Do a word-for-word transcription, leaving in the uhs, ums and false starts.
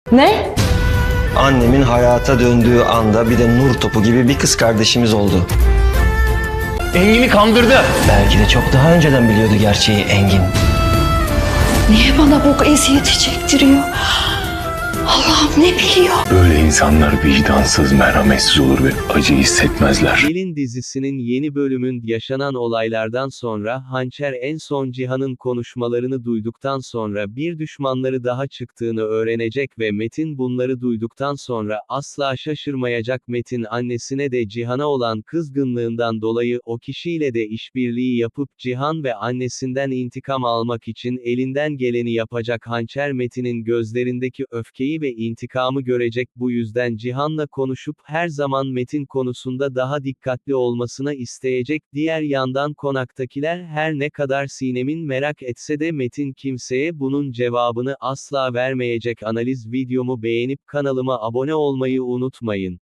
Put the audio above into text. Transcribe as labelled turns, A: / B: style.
A: Ne?
B: Annemin hayata döndüğü anda bir de nur topu gibi bir kız kardeşimiz oldu.
C: Engin'i kandırdı.
B: Belki de çok daha önceden biliyordu gerçeği Engin.
A: Niye bana bu eziyeti çektiriyor? Allah'ım ne biliyor?
D: Böyle insanlar vicdansız, merhametsiz olur ve acı hissetmezler.
E: Gelin dizisinin yeni bölümün yaşanan olaylardan sonra Hançer en son Cihan'ın konuşmalarını duyduktan sonra bir düşmanları daha çıktığını öğrenecek ve Metin bunları duyduktan sonra asla şaşırmayacak. Metin annesine de Cihan'a olan kızgınlığından dolayı o kişiyle de işbirliği yapıp Cihan ve annesinden intikam almak için elinden geleni yapacak. Hançer Metin'in gözlerindeki öfkeyi ve intikamı görecek, bu yüzden Cihan'la konuşup her zaman Metin konusunda daha dikkatli olmasına isteyecek. Diğer yandan konaktakiler her ne kadar Sinem'in merak etse de Metin kimseye bunun cevabını asla vermeyecek. Analiz videomu beğenip kanalıma abone olmayı unutmayın.